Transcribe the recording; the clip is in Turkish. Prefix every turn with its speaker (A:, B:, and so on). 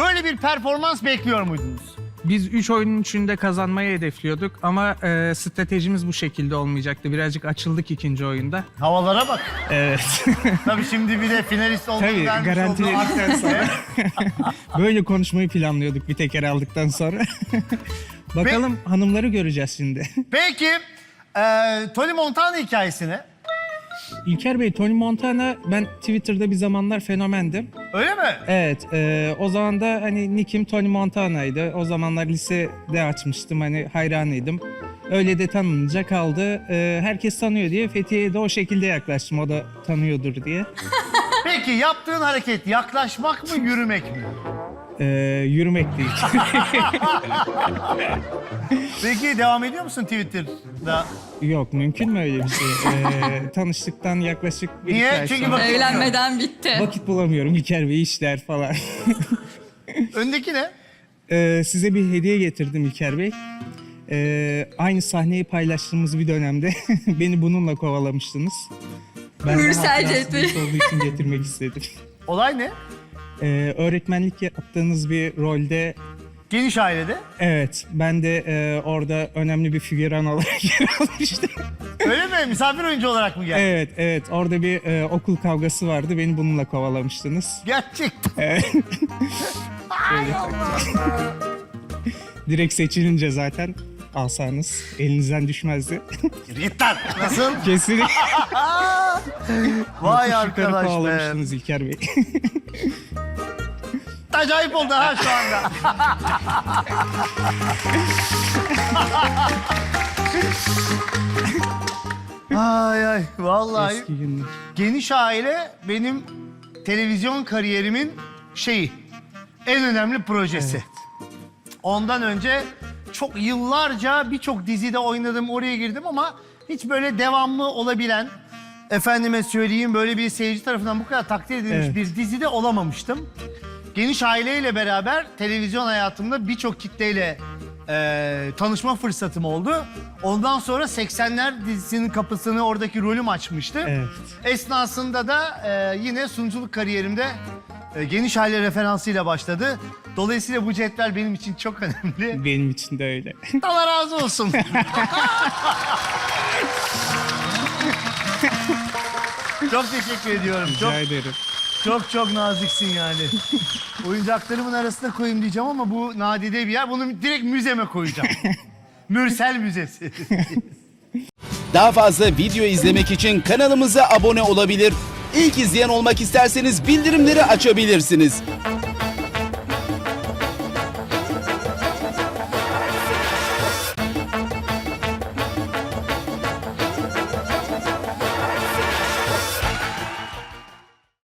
A: Böyle bir performans bekliyor muydunuz?
B: Biz 3 oyunun içinde kazanmayı hedefliyorduk ama stratejimiz bu şekilde olmayacaktı. Birazcık açıldık ikinci oyunda.
A: Havalara bak.
B: Evet.
A: Tabii şimdi bir de finalist
B: Tabii
A: olduğundan
B: garantiledikten sonra böyle konuşmayı planlıyorduk bir teker aldıktan sonra. Bakalım hanımları göreceğiz şimdi.
A: Peki, Tony Montana hikayesine.
B: İlker Bey, Tony Montana ben Twitter'da bir zamanlar fenomendim.
A: Öyle mi?
B: Evet, o zaman da hani nickim Tony Montana'ydı. O zamanlar lisede açmıştım, hani hayranıydım. Öyle de tanınınca kaldı. Herkes tanıyor diye Fethiye'ye de o şekilde yaklaştım, o da tanıyordur diye.
A: Peki yaptığın hareket yaklaşmak mı, yürümek mi?
B: Yürümek değil.
A: Peki devam ediyor musun Twitter'da?
B: Yok, mümkün mü öyle bir şey? Tanıştıktan yaklaşık bir
A: Niye?
B: iki ay
A: Çünkü
B: sonra
C: Evlenmeden bitti.
B: vakit bulamıyorum İlker Bey, işler falan.
A: Öndeki ne?
B: Size bir hediye getirdim İlker Bey. Aynı sahneyi paylaştığımız bir dönemde beni bununla kovalamıştınız. Ben de
C: Mürsel
B: hatırası
C: Cetvel.
B: büyük olduğu için getirmek istedim.
A: Olay ne?
B: Öğretmenlik yaptığınız bir rolde,
A: Geniş ailede.
B: evet, ben de orada önemli bir figüran olarak yer almıştım.
A: Öyle mi? Misafir oyuncu olarak mı geldin?
B: Evet, evet, orada bir okul kavgası vardı, beni bununla kovalamıştınız.
A: Gerçekten. Ay Allah.
B: Direkt seçilince zaten alsanız elinizden düşmezdi.
A: Git lan. Nasıl?
B: Kesinlikle.
A: Vay
B: Yukarı
A: arkadaş be.
B: kovalamıştınız İlker Bey.
A: Acayip oldu ha şu anda. Ay ay vallahi
B: Eski günler.
A: geniş aile benim televizyon kariyerimin en önemli projesi. Ondan önce çok yıllarca birçok dizide oynadım, oraya girdim ama hiç böyle devamlı olabilen, efendime söyleyeyim böyle bir seyirci tarafından bu kadar takdir edilmiş
B: Evet.
A: bir dizide olamamıştım. Geniş aileyle beraber televizyon hayatımda birçok kitleyle tanışma fırsatım oldu. Ondan sonra 80'ler dizisinin kapısını oradaki rolüm açmıştı.
B: Evet.
A: Esnasında da yine sunuculuk kariyerimde geniş aile referansıyla başladı. Dolayısıyla bu cetvel benim için çok önemli.
B: Benim için de öyle.
A: Allah razı olsun. Çok teşekkür ediyorum.
B: Rica ederim.
A: Çok naziksin yani. Oyuncaklarımın arasına koyayım diyeceğim ama bu nadide bir yer. Bunu direkt müzeme koyacağım. Mürsel Müzesi.
D: Daha fazla video izlemek için kanalımıza abone olabilir. İlk izleyen olmak isterseniz bildirimleri açabilirsiniz.